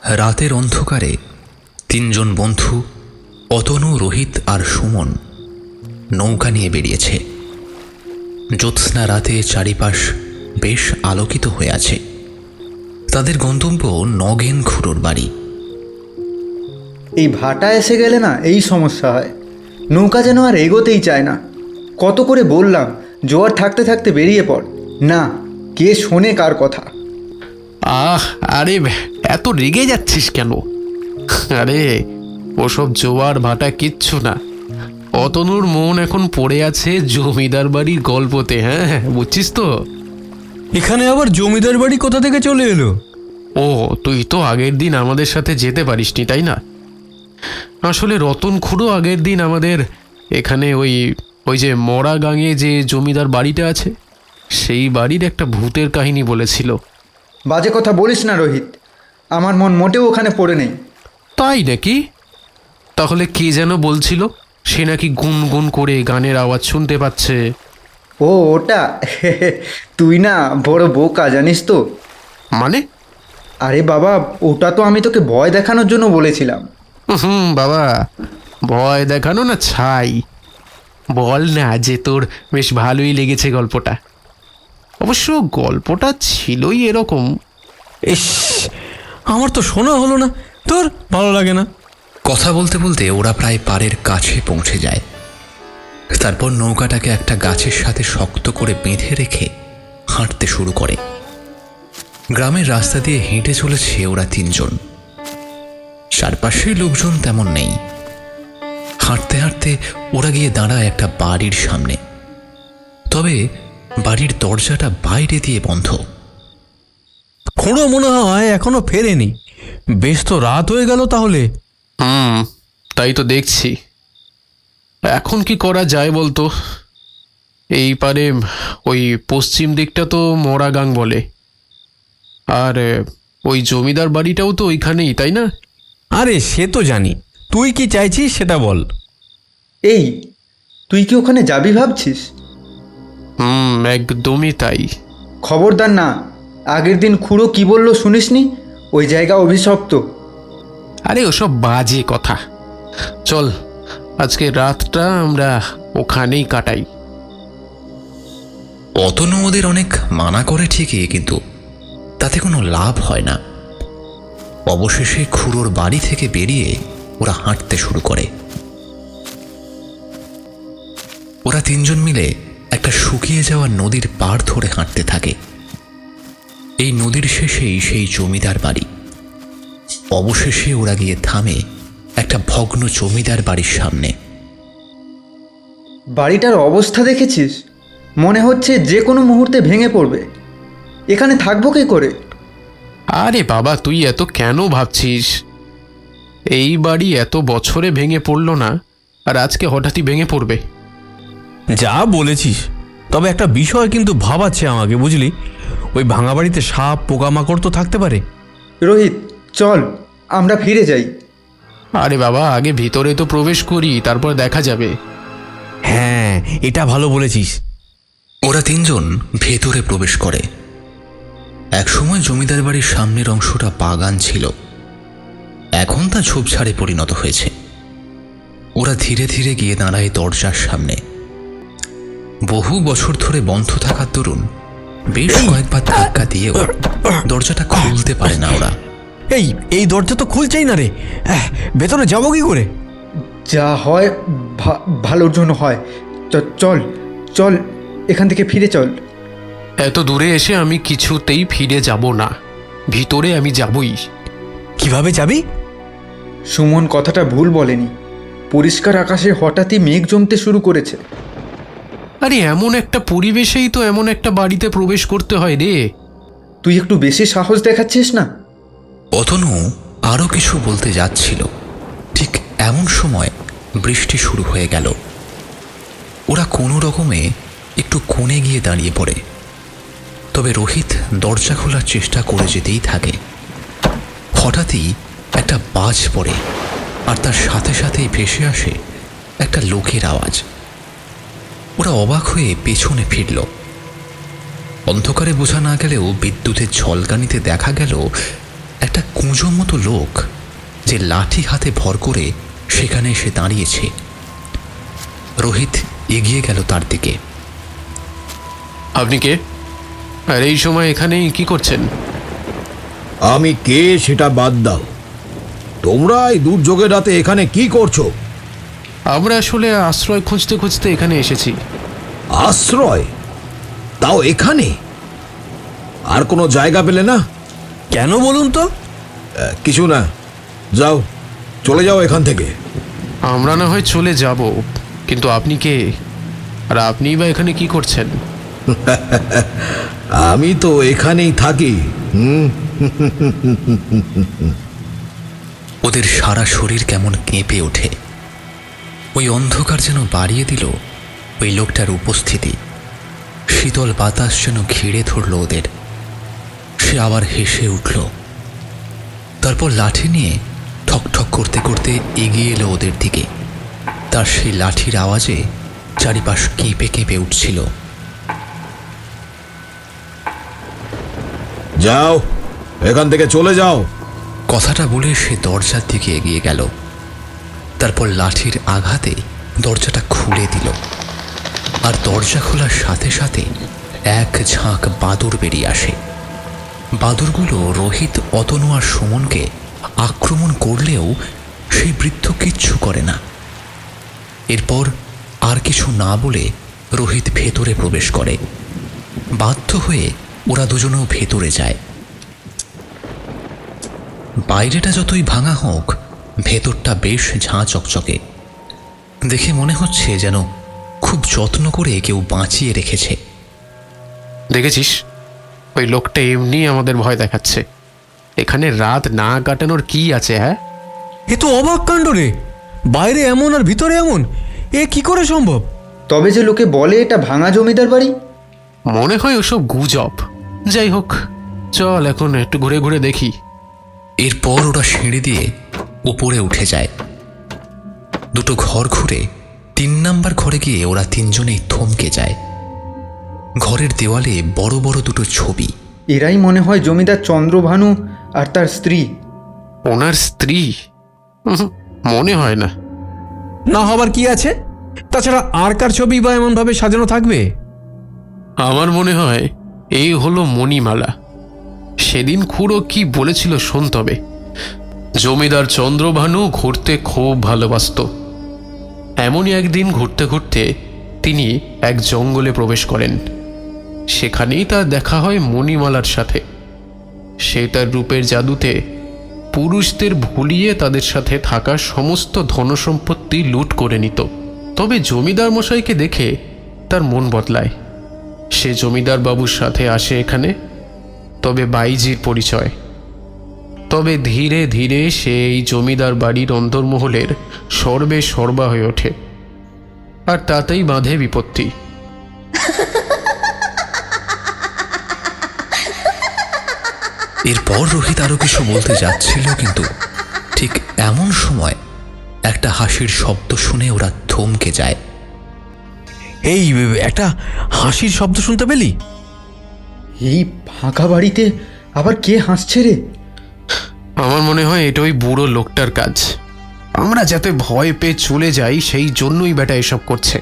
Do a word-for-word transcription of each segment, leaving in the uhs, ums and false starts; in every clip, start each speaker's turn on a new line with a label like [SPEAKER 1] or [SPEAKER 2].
[SPEAKER 1] রাতের অন্ধকারে তিনজন বন্ধু অতনু, রোহিত আর সুমন নৌকা নিয়ে বেরিয়েছে। জ্যোৎস্না রাতে চারিপাশ বেশ আলোকিত হয়ে আছে। তাদের গন্তব্য নগেন খুড়োর বাড়ি।
[SPEAKER 2] এই ভাটা এসে গেলে না এই সমস্যা হয়, নৌকা যেন আর এগোতেই চায় না। কত করে বললাম জোয়ার থাকতে থাকতে বেরিয়ে পড়, না, কে শোনে কার কথা।
[SPEAKER 3] আহ আরে এত রেগে যাচ্ছিস কেন? আরে ওসব জোয়ার ভাটা কিচ্ছু না। অতনুর মন এখন পড়ে আছে জমিদার বাড়ির গল্পতে। হ্যাঁ, বুঝছিস তো?
[SPEAKER 4] এখানে আবার জমিদার বাড়ি কোথা থেকে চলে এলো?
[SPEAKER 3] ও, তুই তো আগের দিন আমাদের সাথে যেতে পারিসনি, তাই না? আসলে রতন খুড়ো আগের দিন আমাদের এখানে ওই ওই যে মরা গাঙে যে জমিদার বাড়িটা আছে, সেই বাড়ির একটা ভূতের কাহিনী বলেছিল।
[SPEAKER 2] বাজে কথা বলিস না রোহিত, আমার মন মোটেও ওখানে পড়ে নেই।
[SPEAKER 3] তাই নাকি? তাহলে কে যেন বলছিল সে নাকি গুনগুন করে গানের আওয়াজ শুনতে পাচ্ছে।
[SPEAKER 2] ও ওটা তুই না বড় বোকা, জানিস তো।
[SPEAKER 3] মানে?
[SPEAKER 2] আরে বাবা, ওটা তো আমি তোকে ভয় দেখানোর জন্য বলেছিলাম।
[SPEAKER 3] হুম বাবা, ভয় দেখানো না ছাই। বল না যে তোর বেশ ভালোই লেগেছে গল্পটা। অবশ্য গল্পটা ছিলই এরকম।
[SPEAKER 4] ইস, আমার তো শোনা হলো না। তোর ভালো লাগে না?
[SPEAKER 1] কথা বলতে বলতে ওরা প্রায় পাড়ের কাছে পৌঁছে যায়। তারপর নৌকাটাকে একটা গাছের সাথে শক্ত করে বেঁধে রেখে হাঁটতে শুরু করে। গ্রামের রাস্তা দিয়ে হেঁটে চলেছে ওরা তিনজন। চারপাশে লোকজন তেমন নেই। হাঁটতে হাঁটতে ওরা গিয়ে দাঁড়ায় একটা বাড়ির সামনে। তবে বাড়ির দরজাটা বাইরে দিয়ে বন্ধ।
[SPEAKER 4] খুঁড়ো মনে হয় এখনো ফেরেনি। বেশ তো রাত হয়ে গেল তাহলে।
[SPEAKER 3] হুম, তাই তো দেখছি। এখন কি করা যায় বলতো? এই পারে ওই পশ্চিম দিকটা তো মোরাগাং বলে, আর ওই জমিদার বাড়িটাও তো ওইখানেই, তাই না?
[SPEAKER 4] আরে সে তো জানি, তুই কি চাইছিস সেটা বল।
[SPEAKER 2] এই, তুই কি ওখানে যাবি ভাবছিস?
[SPEAKER 3] হুম, একদমই তাই।
[SPEAKER 2] খবরদার না, আগের দিন খুড়ো কি বললো শুনিসনি? ওই জায়গা অভিশপ্ত।
[SPEAKER 3] আরে ওসব বাজে কথা। চল, আজকে রাতটা আমরা ওখানেই কাটাই।
[SPEAKER 1] অতনু ওদের অনেক মানা করে ঠিকই, কিন্তু তাতে কোনো লাভ হয় না। অবশেষে খুড়োর বাড়ি থেকে বেরিয়ে ওরা হাঁটতে শুরু করে। ওরা তিনজন মিলে একটা শুকিয়ে যাওয়া নদীর পাড় ধরে হাঁটতে থাকে। এই নদীর শেষেই সেই জমিদার বাড়ি। অবশেষে ওরা গিয়ে থামে একটা ভগ্ন জমিদার বাড়ির সামনে।
[SPEAKER 2] বাড়িটার অবস্থা দেখেছিস? মনে হচ্ছে যে কোনো মুহূর্তে ভেঙে পড়বে। এখানে থাকবো কী করে?
[SPEAKER 3] আরে বাবা, তুই এত কেন ভাবছিস? এই বাড়ি এত বছরে ভেঙে পড়ল না, আর আজকে হঠাৎই ভেঙে পড়বে?
[SPEAKER 4] যা বলেছিস, তবে একটা বিষয় কিন্তু ভাবাচ্ছে আমাকে, বুঝলি। ওই ভাঙা বাড়িতে সাপ পোকামাকড় তো থাকতে পারে।
[SPEAKER 2] রোহিত, চল আমরা ফিরে যাই।
[SPEAKER 3] আরে বাবা, আগে ভিতরে তো প্রবেশ করি, তারপর দেখা যাবে।
[SPEAKER 4] হ্যাঁ, এটা ভালো বলেছিস।
[SPEAKER 1] ওরা তিনজন ভেতরে প্রবেশ করে। একসময় জমিদার বাড়ির সামনের অংশটা বাগান ছিল, এখন তা ঝোপঝাড়ে পরিণত হয়েছে। ওরা ধীরে ধীরে গিয়ে দাঁড়ায় দরজার সামনে। বহু বছর ধরে বন্ধ থাকার দরুন বেশ কয়েকবার ধাক্কা দিয়েও দরজাটা খুলতে পারে না ওরা।
[SPEAKER 4] এই এই দরজা তো খুলছেই না রে। আহ, ভেতরে যাবো কি করে?
[SPEAKER 2] যা হয় ভা- ভালোর জন্য হয়। চ- চল চল এখান থেকে ফিরে চল।
[SPEAKER 3] এত দূরে এসে আমি কিছুতেই ফিরে যাব না। ভিতরে আমি যাবই।
[SPEAKER 4] কিভাবে যাবি?
[SPEAKER 2] সুমন কথাটা ভুল বলেনি। পরিষ্কার আকাশে হঠাৎই মেঘ জমতে শুরু করেছে।
[SPEAKER 3] আরে এমন একটা পরিবেশেই তো এমন একটা বাড়িতে প্রবেশ করতে হয় রে।
[SPEAKER 2] তুই একটু বেশি সাহস দেখাচ্ছিস না?
[SPEAKER 1] অতনু আরও কিছু বলতে যাচ্ছিল, ঠিক এমন সময় বৃষ্টি শুরু হয়ে গেল। ওরা কোনো রকমে একটু কোণে গিয়ে দাঁড়িয়ে পড়ে। তবে রোহিত দরজা খোলার চেষ্টা করে যেতেই থাকে। হঠাৎই একটা বাজ পড়ে, আর তার সাথে সাথেই ভেসে আসে একটা লোকের আওয়াজ। ওরা অবাক হয়ে পেছনে ফিরল। অন্ধকারে বোঝা না গেলেও বিদ্যুতের ঝলকানিতে দেখা গেল একটা একটা কুঁজো মতো লোক যে লাঠি হাতে ভর করে সেখানে এসে দাঁড়িয়েছে। রোহিত এগিয়ে গেল তার দিকে।
[SPEAKER 3] আপনি কে? আর এই সময় এখানে কি করছেন?
[SPEAKER 5] আমি কে সেটা বাদ দাও, তোমরা এই দুর্যোগের রাতে এখানে কি করছো?
[SPEAKER 3] আমরা আসলে আশ্রয় খুঁজতে খুঁজতে এখানে এসেছি।
[SPEAKER 5] আশ্রয়? তাও এখানে? আর কোনো জায়গা পেলে না?
[SPEAKER 4] কেন বলুন তো?
[SPEAKER 5] আহ, কিছু না, যাও, চলে যাও এখান থেকে।
[SPEAKER 3] আমরা না হয় চলে যাব, কিন্তু আপনি কে? আর আপনিই বা এখানে কি করছেন?
[SPEAKER 5] আমি তো এখানেই থাকি। হুম,
[SPEAKER 1] ওদের সারা শরীর কেমন কেঁপে ওঠে। ওই অন্ধকার যেন বাড়িয়ে দিল ওই লোকটার উপস্থিতি। শীতল বাতাস যেন ঘিরে ধরল ওদের। সে আবার হেসে উঠল, তারপর লাঠি নিয়ে ঠক ঠক করতে করতে এগিয়ে এলো ওদের দিকে। তার সেই লাঠির আওয়াজে চারিপাশ কেঁপে কেঁপে উঠছিল।
[SPEAKER 5] যাও, এখান থেকে চলে যাও।
[SPEAKER 1] কথাটা বলে সে দরজার দিকে এগিয়ে গেল। তারপর লাঠির আঘাতে দরজাটা খুলে দিল, আর দরজা খোলার সাথে সাথে এক ঝাঁক বাদুড় বেরিয়ে আসে। বাদুড়গুলো রোহিত, অতনু আর সুমনকে আক্রমণ করলেও সেই বৃদ্ধ কিচ্ছু করে না। এরপর আর কিছু না বলে রোহিত ভেতরে প্রবেশ করে। বাধ্য হয়ে ওরা দুজনেও ভেতরে যায়। বাইরেটা যতই ভাঙা হোক, ভেতরটা বেশ ঝাঁ চকচকে। দেখে মনে হচ্ছে যেন খুব যত্ন করে কেউ বাঁচিয়ে রেখেছে।
[SPEAKER 3] দেখেছিস, ওই লোকটা এমনি আমাদের ভয় দেখাচ্ছে। এখানে রাত না কাটানোর কি আছে? হ্যাঁ,
[SPEAKER 4] এ তো অবাক কাণ্ড রে। বাইরে এমন আর ভিতরে এমন, এ কি করে সম্ভব?
[SPEAKER 2] তবে যে লোকে বলে এটা ভাঙা জমিদার বাড়ি।
[SPEAKER 3] মনে হয় ওসব গুজব। যাই হোক, চল এখন একটু ঘুরে ঘুরে দেখি।
[SPEAKER 1] এরপর ওরা সিঁড়ি দিয়ে উপরে উঠে যায়। দুটো ঘর ঘুরে তিন নাম্বার ঘরে গিয়ে ওরা তিনজনেই থমকে যায়। ঘরের দেওয়ালে বড় বড় দুটো ছবি।
[SPEAKER 2] এরাই মনে হয় জমিদার চন্দ্রভানু আর তার স্ত্রী।
[SPEAKER 3] ওনার স্ত্রী? উহুম, মনে হয় না।
[SPEAKER 4] না হবার কি আছে? তাছাড়া আর কার ছবি বা এমনভাবে সাজানো থাকবে?
[SPEAKER 3] আমার মনে হয় এই হলো মণিমালা। সেদিন খুড়ো কি বলেছিল শোন তবে। জমিদার চন্দ্রভানু ঘুরতে খুব ভালোবাসত। এমনই একদিন ঘুরতে ঘুরতে তিনি এক জঙ্গলে প্রবেশ করেন। সেখানেই তার দেখা হয় মণিমালার সাথে। সে তার রূপের জাদুতে পুরুষদের ভুলিয়ে তাদের সাথে থাকা সমস্ত ধনসম্পত্তি লুট করে নিত। তবে জমিদার মশাইকে দেখে তার মন বদলায়। সে জমিদার বাবুর সাথে আসে এখানে, তবে বাইজির পরিচয়। তবে ধীরে ধীরে সে এই জমিদার বাড়ির অন্তর্মহলের সর্বে সর্বা হয়ে ওঠে, আর তাতেই বাঁধে বিপত্তি।
[SPEAKER 1] এরপর রোহিত আরো কিছু বলতে যাচ্ছিল, কিন্তু ঠিক এমন সময় একটা হাসির শব্দ শুনে ওরা থমকে যায়।
[SPEAKER 4] এই একটা হাসির শব্দ শুনতে পেলি?
[SPEAKER 2] এই ফাঁকা বাড়িতে আবার কে হাসছে রে?
[SPEAKER 3] আমার মনে হয় এটা ওই বুড়ো লোকটার কাজ। আমরা যাতে ভয় পেয়ে চলে যাই সেই জন্যই বেটা এসব করছে।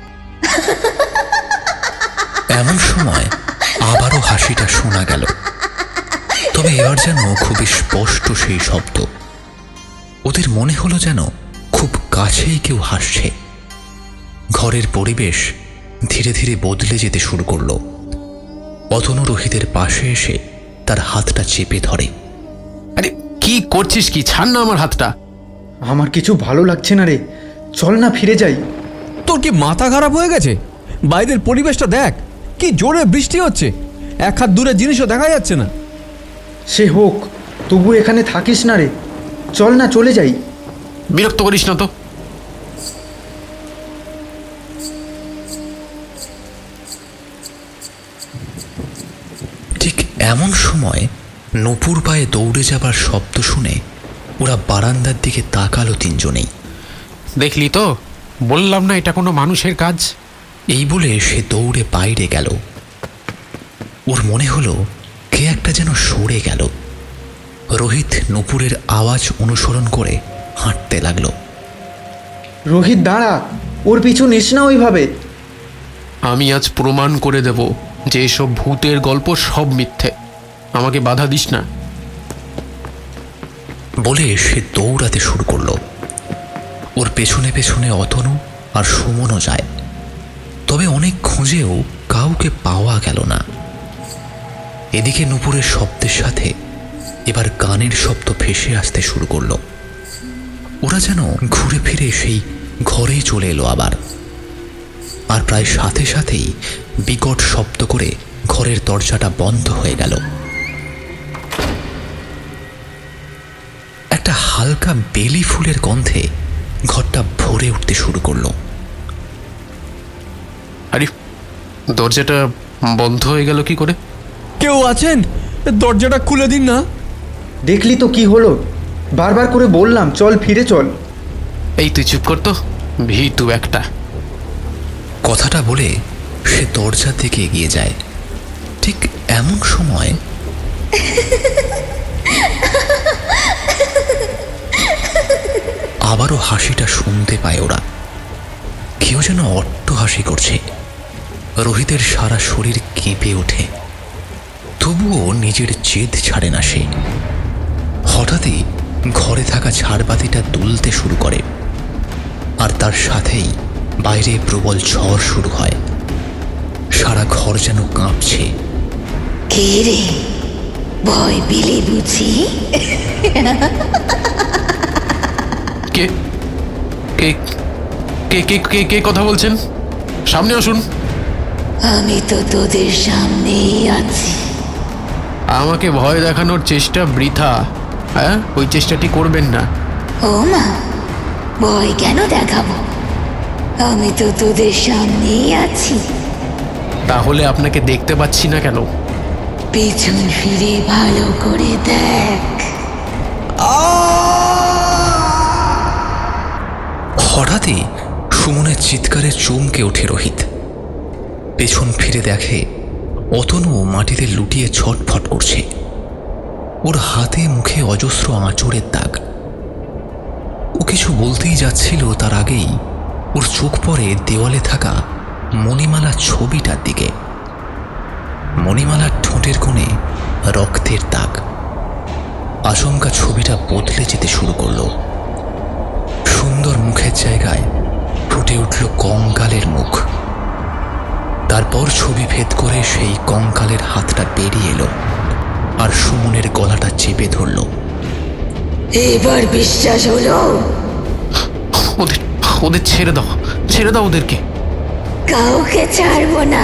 [SPEAKER 1] এমন সময় আবারও হাসিটা শোনা গেল, তবে এবার যেন খুবই স্পষ্ট সেই শব্দ। ওদের মনে হলো যেন খুব কাছেই কেউ হাসছে। ঘরের পরিবেশ ধীরে ধীরে বদলে যেতে শুরু করলো। অতনু রোহিতের পাশে এসে তার হাতটা চেপে ধরে।
[SPEAKER 3] আরে কি করছিস? কি, ছাড় না আমার হাতটা।
[SPEAKER 2] আমার কিছু ভালো লাগছে না রে, চল না ফিরে যাই।
[SPEAKER 4] তোর কি মাথা খারাপ হয়ে গেছে? বাইরের পরিবেশটা দেখ, কি জোরে বৃষ্টি হচ্ছে, এক হাত দূরের জিনিসও দেখা যাচ্ছে না।
[SPEAKER 2] সে হোক, তবু এখানে থাকিস না রে, চল না চলে যাই।
[SPEAKER 3] বিরক্ত করিস না তো।
[SPEAKER 1] ঠিক এমন সময় নূপুর পায়ে দৌড়ে যাবার শব্দ শুনে ওরা বারান্দার দিকে তাকালো তিনজনেই।
[SPEAKER 3] দেখলি তো, বললাম না এটা কোনো মানুষের কাজ।
[SPEAKER 1] এই বলে সে দৌড়ে বাইরে গেল। ওর মনে হলো কে একটা যেন সরে গেল। রোহিত নূপুরের আওয়াজ অনুসরণ করে হাঁটতে লাগলো।
[SPEAKER 2] রোহিত দাঁড়া, ওর পিছু নিস না ওইভাবে।
[SPEAKER 3] আমি আজ প্রমাণ করে দেব যে এসব ভূতের গল্প সব মিথ্যে। আমাকে বাধা দিস না।
[SPEAKER 1] বলে সে দৌড়াতে শুরু করলো। ওর পেছনে পেছনে অতনু আর সুমনও যায়, তবে অনেক খুঁজেও কাউকে পাওয়া গেল না। এদিকে নূপুরের শব্দের সাথে এবার গানের শব্দ ভেসে আসতে শুরু করলো। ওরা যেন ঘুরে ফিরে সেই ঘরেই চলে এলো আবার। আর প্রায় সাথে সাথেই বিকট শব্দ করে ঘরের দরজাটা বন্ধ হয়ে গেল। একটা হালকা বেলি ফুলের গন্ধে ঘরটা ভরে উঠতে শুরু করলো।
[SPEAKER 3] আরে দরজাটা বন্ধ হয়ে গেল কি করে?
[SPEAKER 4] কেউ আছেন? দরজাটা খুলে দিন না।
[SPEAKER 2] দেখলি তো কি হলো, বারবার করে বললাম চল ফিরে চল।
[SPEAKER 3] এই তুই চুপ কর তো, ভীতু একটা।
[SPEAKER 1] কথাটা বলে সে দরজার দিকে এগিয়ে যায়। ঠিক এমন সময় আবারও হাসিটা শুনতে পায় ওরা। কেউ যেন অট্ট হাসি করছে। রোহিতের সারা শরীর কেঁপে ওঠে, তবুও নিজের জেদ ছাড়ে না সে। হঠাৎই ঘরে থাকা ঝাড়বাতিটা দুলতে শুরু করে, আর তার সাথেই বাইরে প্রবল ঝড় শুরু হয়। সারা ঘর যেন কাঁপছে।
[SPEAKER 6] কে রে, ভয় পেলে বুঝি?
[SPEAKER 3] কে কে কে কে কে কে কথা বলছেন? সামনে আসুন।
[SPEAKER 6] আমি তো তোদের সামনেই আছি।
[SPEAKER 3] আমাকে ভয় দেখানোর চেষ্টা বৃথা। হ্যাঁ, ওই চেষ্টাটি করবেন না।
[SPEAKER 6] ও মা, ভয় কেন দেখাবো? আমি তো তোদের সামনেই আছি।
[SPEAKER 3] তাহলে আপনাকে দেখতে পাচ্ছি না কেন?
[SPEAKER 6] পেছন ফিরে ভালো করে দেখ।
[SPEAKER 1] হঠাৎই সুমনের চিৎকারে চমকে ওঠে রোহিত। পেছন ফিরে দেখে অতনু মাটিতে লুটিয়ে ছটফট করছে। ওর হাতে মুখে অজস্র আঁচড়ের দাগ। ও কিছু বলতেই যাচ্ছিল, তার আগেই ওর চোখ পড়ে দেওয়ালে থাকা মণিমালার ছবিটার দিকে। মণিমালার ঠোঁটের কোণে রক্তের দাগ। আচমকা ছবিটা বদলে যেতে শুরু করলো। সুন্দর মুখের জায়গায় ফুটে উঠল কঙ্কালের মুখ। তারপর ছবি ভেদ করে সেই কঙ্কালের হাতটা বেরিয়ে এলো আর সুমনের গলাটা চেপে ধরল।
[SPEAKER 6] এবার বিশ্বাস হলো?
[SPEAKER 3] ওদের ওদের ছেড়ে দাও, ছেড়ে দাও ওদেরকে।
[SPEAKER 6] কাউকে ছাড়বো না।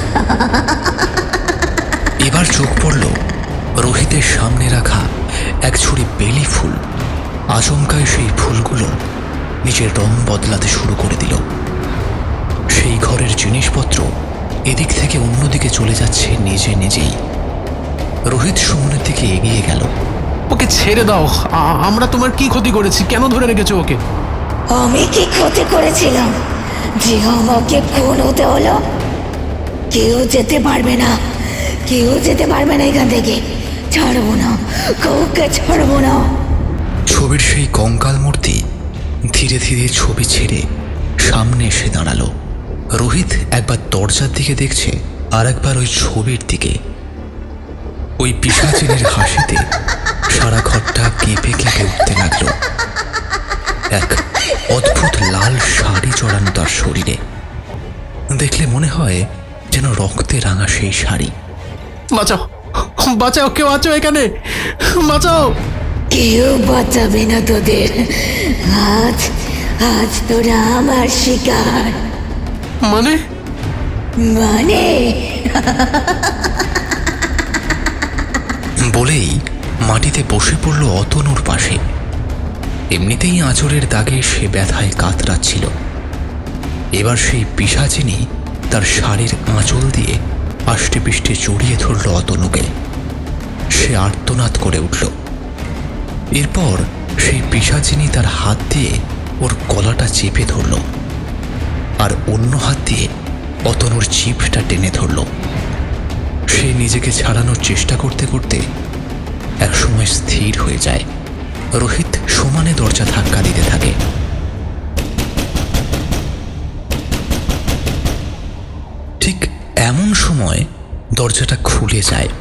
[SPEAKER 1] এবার চোখ পড়ল রোহিতের সামনে রাখা এক ছড়ি বেলি ফুল। আচমকায় সেই ফুলগুলো নিজের রং বদলাতে শুরু করে দিল। সেই ঘরের জিনিসপত্র এদিক থেকে অন্যদিকে চলে যাচ্ছে নিজে নিজেই। রোহিত সুমনের দিকে এগিয়ে গেল।
[SPEAKER 3] ওকে ছেড়ে দাও। আ- আমরা তোমার কি ক্ষতি করেছি? কেন ধরে রেখেছো ওকে?
[SPEAKER 6] আমি কি ক্ষতি করেছিলাম যে আমাকে খুন হতে হলো? কেউ যেতে পারবে না, কেউ যেতে পারবে না এখান থেকে। ছাড়বো না, কাউকে ছাড়বো না।
[SPEAKER 1] ছবির সেই কঙ্কাল মূর্তি ধীরে ধীরে ছবি ছেড়ে সামনে এসে দাঁড়ালো। রোহিত একবার দরজার দিকে দেখছে, আর একবার ওই ছবির দিকে। ওই পিশাচিনীর হাসিতে সারা ঘরটা কেঁপে কেঁপে উঠতে লাগলো। এক অদ্ভুত লাল শাড়ি জড়ানো তার শরীরে। দেখলে মনে হয় যেন রক্তে রাঙা সেই শাড়ি।
[SPEAKER 3] বাঁচাও, বাঁচাও, কেউ আছো এখানে? বাঁচাও।
[SPEAKER 6] কেউ বাঁচাবে না তোদের। আজ আজ তোরা আমার শিকার।
[SPEAKER 3] মানে?
[SPEAKER 6] মানে
[SPEAKER 1] বলেই মাটিতে বসে পড়ল অতনুর পাশে। এমনিতেই আঁচড়ের দাগে সে ব্যথায় কাতরাচ্ছিল। এবার সেই পিশাচিনী তার শাড়ির আঁচল দিয়ে আষ্টে পিষ্টে জড়িয়ে ধরল অতনুকে। সে আর্তনাদ করে উঠল। এরপর সেই পিশাচিনী তার হাত দিয়ে ওর গলাটা চেপে ধরল, আর অন্য হাত দিয়ে অতনুর জিভটা টেনে ধরল। সে নিজেকে ছাড়ানোর চেষ্টা করতে করতে একসময় স্থির স্থির হয়ে যায়। রোহিত সমানে দরজা ধাক্কা দিতে থাকে। ঠিক এমন সময় দরজাটা খুলে যায়।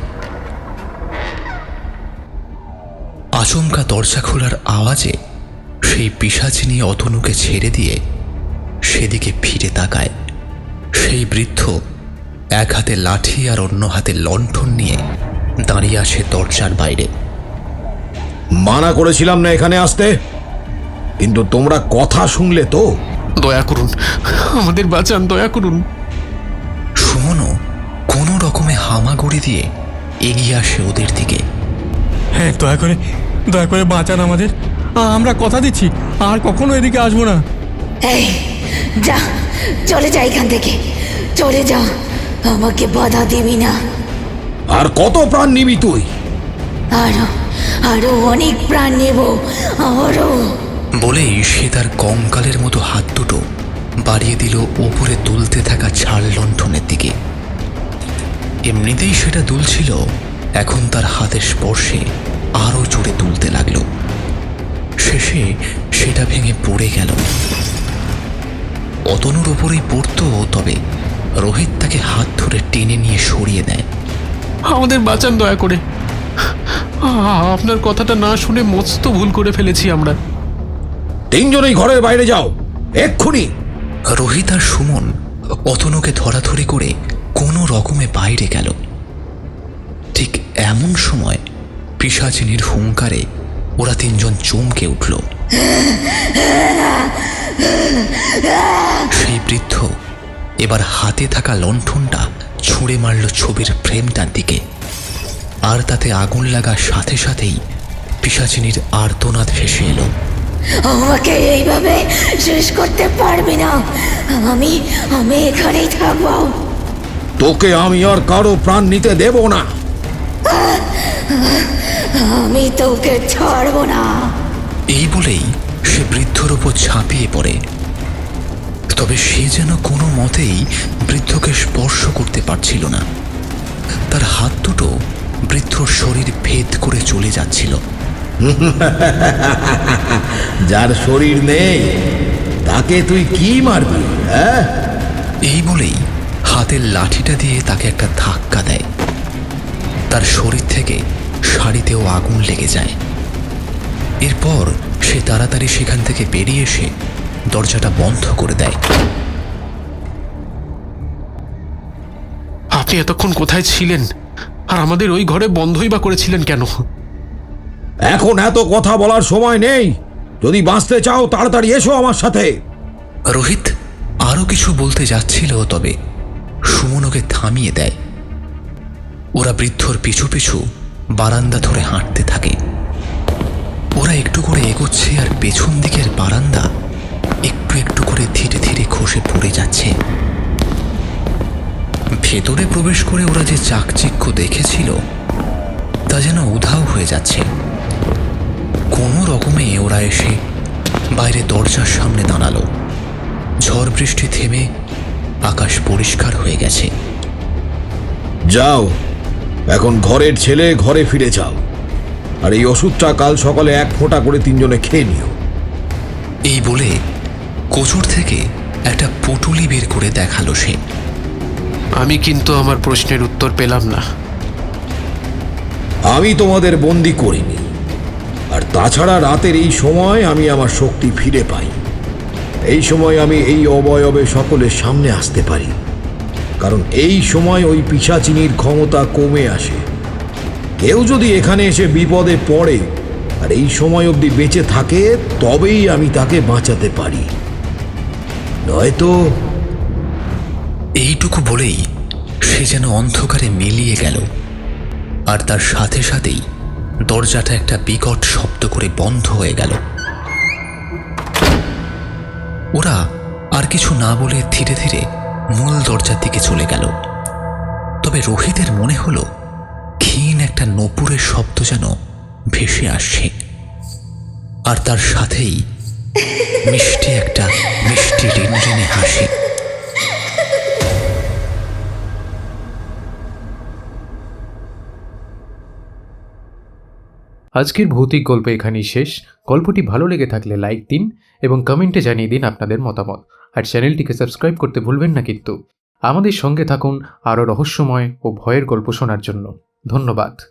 [SPEAKER 1] আচমকা দরজা খোলার আওয়াজে সেই পিশাচিনী অতনুকে ছেড়ে দিয়ে সেদিকে ফিরে তাকায়। সেই বৃদ্ধ এক হাতে লাঠি আর অন্য হাতে লণ্ঠন নিয়ে দাঁড়িয়ে আসে দরজার বাইরে।
[SPEAKER 5] মানা করেছিলাম না এখানে আসতে, কিন্তু তোমরা কথা শুনলে তো?
[SPEAKER 3] দয়া করুন, আমাদের বাঁচান, দয়া করুন।
[SPEAKER 1] সুমনও কোনো রকমে হামাগুড়ি দিয়ে এগিয়ে আসে ওদের দিকে।
[SPEAKER 4] হ্যাঁ, দয়া করে দয়া করে বাঁচান আমাদের। আমরা কথা দিচ্ছি আর কখনো এদিকে আসবো না।
[SPEAKER 6] এই যা, চলে যা এখান থেকে, চলে যা, আমাকে বাধা দিবি না।
[SPEAKER 5] আর কত প্রাণ নিবি তুই?
[SPEAKER 6] আরো আরো অনেক প্রাণ নেব, আরো।
[SPEAKER 1] বলেই সে তার কঙ্কালের মতো হাত দুটো বাড়িয়ে দিল ওপরে দুলতে থাকা ঝাড় লণ্ঠনের দিকে। এমনিতেই সেটা দুলছিল, এখন তার হাতের স্পর্শে আরো জোরে দুলতে লাগলো। শেষে সেটা ভেঙে পড়ে গেল। অতনুর ওপরেই পড়তো, তবে রোহিত তাকে হাত ধরে টেনে নিয়ে সরিয়ে দেয়।
[SPEAKER 3] আমাদের বাঁচান দয়া করে। আপনার কথাটা না শুনে মস্ত ভুল করে ফেলেছি আমরা।
[SPEAKER 5] তিনজনেই ঘরের বাইরে যাও এক্ষুনি।
[SPEAKER 1] রোহিত আর সুমন অতনুকে ধরাধরি করে কোনো রকমে বাইরে গেল। ঠিক এমন সময় পিশাচিনীর হুঙ্কারে ওরা তিনজন চমকে উঠল। সেই বৃদ্ধ এবার হাতে থাকা লণ্ঠনটা ছুঁড়ে মারল ছবির ফ্রেমটার দিকে, আর তাতে আগুন লাগার সাথে সাথেই পিশাচিনীর আর্তনাদ ভেসে এলো।
[SPEAKER 6] আমাকে এইভাবে শেষ করতে পারবি না, আমি আমি এখানেই থাকবো।
[SPEAKER 5] তোকে আমি আর কারো প্রাণ নিতে দেব না।
[SPEAKER 6] আমি তোকে ছাড়বো না।
[SPEAKER 1] এই বলেই সে বৃদ্ধর ওপর ঝাঁপিয়ে পড়ে। তবে সে যেন কোনো মতেই বৃদ্ধকে স্পর্শ করতে পারছিল না। তার হাত দুটো বৃদ্ধর শরীর ভেদ করে চলে যাচ্ছিল।
[SPEAKER 5] যার শরীর নেই তাকে তুই কি মারবি? হ্যাঁ,
[SPEAKER 1] এই বলেই হাতের লাঠিটা দিয়ে তাকে একটা ধাক্কা দেয়। তার শরীর থেকে শাড়িতেও আগুন লেগে যায়। এরপর সে তাড়াতাড়ি সেখান থেকে বেরিয়ে এসে দরজাটা বন্ধ করে দেয়।
[SPEAKER 3] আপনি এতক্ষণ কোথায় ছিলেন, আর আমাদের ওই ঘরে বন্ধই বা করেছিলেন কেন?
[SPEAKER 5] এখন এত কথা বলার সময় নেই। যদি বাঁচতে চাও তাড়াতাড়ি এসো আমার সাথে।
[SPEAKER 1] রোহিত আরো কিছু বলতে যাচ্ছিল, তবে সুমন ওকে থামিয়ে দেয়। ওরা বৃদ্ধর পিছু পিছু বারান্দা ধরে হাঁটতে থাকে। ওরা একটু করে এগোচ্ছে, আর পেছন দিকের বারান্দা একটু একটু করে ধীরে ধীরে খসে পড়ে যাচ্ছে। ভেতরে প্রবেশ করে ওরা যে চাকচিক্য দেখেছিল তা যেন উধাও হয়ে যাচ্ছে। কোনো রকমে ওরা এসে বাইরে দরজার সামনে দাঁড়ালো। ঝড় বৃষ্টি থেমে আকাশ পরিষ্কার হয়ে গেছে।
[SPEAKER 5] যাও, এখন ঘরের ছেলে ঘরে ফিরে যাও, আর এই ওষুধটা কাল সকালে এক ফোঁটা করে তিনজনে খেয়ে নিও।
[SPEAKER 1] এই বলে কোচর থেকে একটা পুটুলি বের করে দেখালো সে।
[SPEAKER 3] আমি কিন্তু আমার প্রশ্নের উত্তর পেলাম না।
[SPEAKER 5] আমি তোমাদের বন্দি করিনি, আর তাছাড়া রাতের এই সময় আমি আমার শক্তি ফিরে পাই। এই সময় আমি এই অবয়বে সকলের সামনে আসতে পারি, কারণ এই সময় ওই পিশাচিনীর ক্ষমতা কমে আসে। কেউ যদি এখানে এসে বিপদে পড়ে আর এই সময় অবধি বেঁচে থাকে, তবেই আমি তাকে বাঁচাতে পারি, নয়তো।
[SPEAKER 1] এইটুকু বলেই সে যেন অন্ধকারে মিলিয়ে গেল, আর তার সাথে সাথেই দরজাটা একটা বিকট শব্দ করে বন্ধ হয়ে গেল। ওরা আর কিছু না বলে ধীরে ধীরে মূল দরজার দিকে চলে গেল। তবে রোহিতের মনে হলো ক্ষীণ একটা নূপুরের শব্দ যেন ভেসে আসছে, আর তার সাথেই মিষ্টি একটা মিষ্টি রিনরিনে হাসি।
[SPEAKER 7] আজকের ভৌতিক গল্প এখানেই শেষ। গল্পটি ভালো লেগে থাকলে লাইক দিন এবং কমেন্টে জানিয়ে দিন আপনাদের মতামত। আর চ্যানেলটিকে সাবস্ক্রাইব করতে ভুলবেন না কিন্তু। আমাদের সঙ্গে থাকুন আরও রহস্যময় ও ভয়ের গল্প শোনার জন্য। ধন্যবাদ।